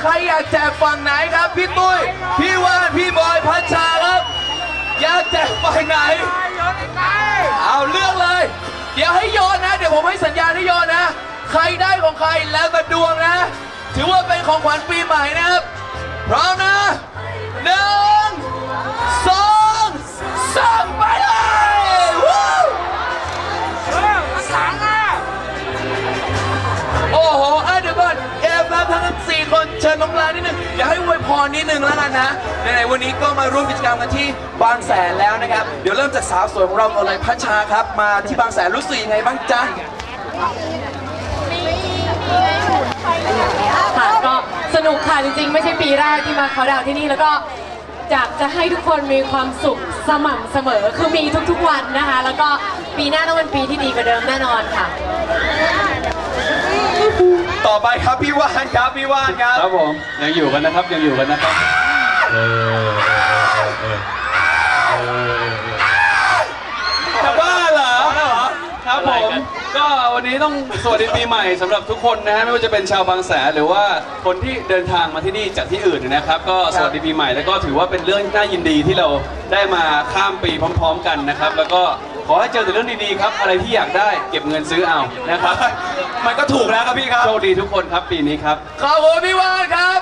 ใครอยากแจกฝั่งไหนครับพี่ตุ้ยพี่วานพี่บอยพัชชาครับอยากแจกฝั่งไหนเอาเลือกเลยเดี๋ยวให้โยนนะเดี๋ยวผมให้สัญญาณให้โยนนะใครได้ของใครแล้วแต่ดวงนะถือว่าเป็นของขวัญปีใหม่นะครับพร้อมนะ1 2 3ไปเลยโอ้โหเดี๋ยวก่อนเอฟครับทั้ง4คนเชิญลงลานนิดนึงอยากให้อวยพรนิดนึงแล้วกันนะในวันนี้ก็มาร่วมกิจกรรมกันที่บางแสนแล้วนะครับเดี๋ยวเริ่มจากสาวสวยของเราก่อนเลยพัชชาครับมาที่บางแสนรู้สึกยังไงบ้างจ๊ะค่ะก็สนุกค่ะจริงๆไม่ใช่ปีแรกที่มาเขาดาวที่นี่แล้วก็อยากจะให้ทุกคนมีความสุขสม่ำเสมอคือมีทุกๆวันนะคะแล้วก็ปีหน้าต้องเป็นปีที่ดีกว่าเดิมแน่นอนค่ะต่อไปครับพี่ว่านครับพี่ว่านครับครับผมยังอยู่กันนะครับยังอยู่กันนะครับจะบ้าเหรอครับผมก็วันนี้ต้องสวัสดีปีใหม่สำหรับทุกคนนะฮะไม่ว่าจะเป็นชาวบางแสนหรือว่าคนที่เดินทางมาที่นี่จากที่อื่นนะครับก็สวัสดีปีใหม่แล้วก็ถือว่าเป็นเรื่องน่ายินดีที่เราได้มาข้ามปีพร้อมๆกันนะครับแล้วก็ขอให้เจอแต่เรื่องดีๆครับอะไรที่อยากได้เก็บเงินซื้อเอานะครับมันก็ถูกแล้วครับพี่ครับโชคดีทุกคนครับปีนี้ครับขอบคุณพี่วานครับ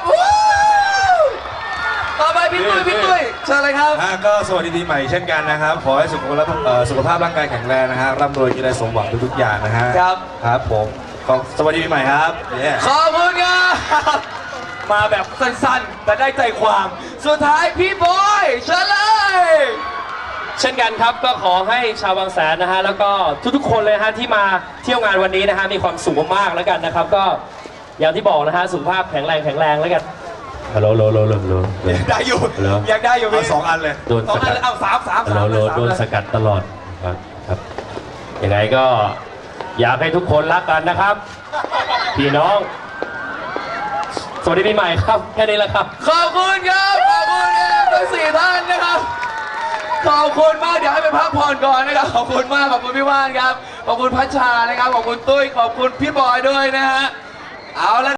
ต่อไปพี่ตุ้ยเชิญเลยครับก็สวัสดีปีใหม่เช่นกันนะครับขอให้สุขภาพร่างกายแข็งแรงนะฮะร่ำรวยมีอะไรสมหวังทุกๆอย่างนะฮะครับผมสวัสดีปีใหม่ครับขอบคุณครับมาแบบสั้นๆแต่ได้ใจความสุดท้ายพี่บอยเชิญเลยเช่นกันครับก็ขอให้ชาวบางแสนนะฮะแล้วก็ทุกๆคนเลยฮะที่มาเที่ยวงานวันนี้นะฮะมีความสุขมากๆแล้วกันนะครับก็อย่างที่บอกนะฮะสุขภาพแข็งแรงแล้วกันฮัลโหลได้อยู่อยากได้อยู่พี่2 อันเลยโดนสกัดเอา3 โดนสกัดตลอดครับยังไงก็อยากให้ทุกคนรักกันนะครับพี่น้องสวัสดีปีใหม่ครับแค่นี้แหละครับขอบคุณครับขอบคุณทั้ง4 ท่านนะครับขอบคุณมากเดี๋ยวให้ไปพักผ่อนก่อนนะครับขอบคุณมากขอบคุณพี่ว่านครับขอบคุณพัชชานะครับขอบคุณตุ้ยขอบคุณพี่บอยด้วยนะฮะเอาละ